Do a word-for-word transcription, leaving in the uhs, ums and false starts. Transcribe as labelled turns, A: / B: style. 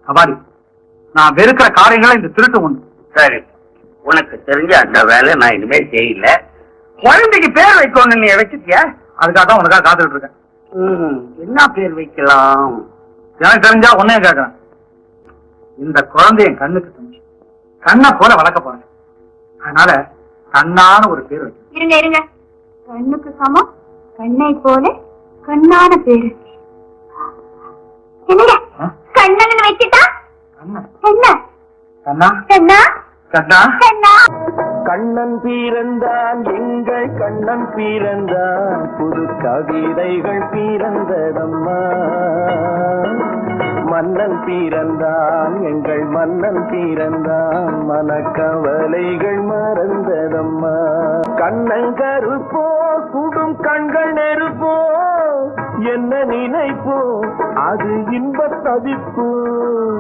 A: அபாரி, நான் வெறுக்கிற காரியங்களை இந்த திருட்டு ஒண்ணு.
B: சரி, உனக்கு தெரிஞ்ச அந்த வேலை நான் இனிமேல் செய்யல. குழந்தைக்கு பேர் வைக்கணும், நீ வச்சுட்டியா?
A: அதுக்காக தான் உனக்காக காத்துட்டு இருக்கேன்.
B: என்ன பேர் வைக்கலாம்?
A: எனக்கு தெரிஞ்சா உன்னையும் கேட்கறேன். இந்த குழந்தை என் கண்ணுக்கு தெரிஞ்சு கண்ணை போல வளர்க்க போறேன். அதனால கண்ணான ஒரு பேர் வைக்க.
C: இருங்க இருங்க, கண்ணுக்கு சமம் கண்ணை போல கண்ணான பேரு. என்னங்க கண்ணன் வச்சுட்டா?
A: கண்ணா
C: கண்ணா
A: கண்ணா
C: கண்ணா
A: கண்ணா
C: கண்ணா.
D: கண்ணன் பிறந்தான், எங்கள் கண்ணன் பிறந்தான், புது கவிதைகள் பிறந்ததம்மா. மன்னன் பிறந்தான், எங்கள் மன்னன் பிறந்தான், மனக்கவலைகள் மறந்ததம்மா. கண்ணன் கருப்போ, சுடும் கண்கள் நெருப்போ, என்ன நினைப்போ அது இன்பத் தவிப்போ.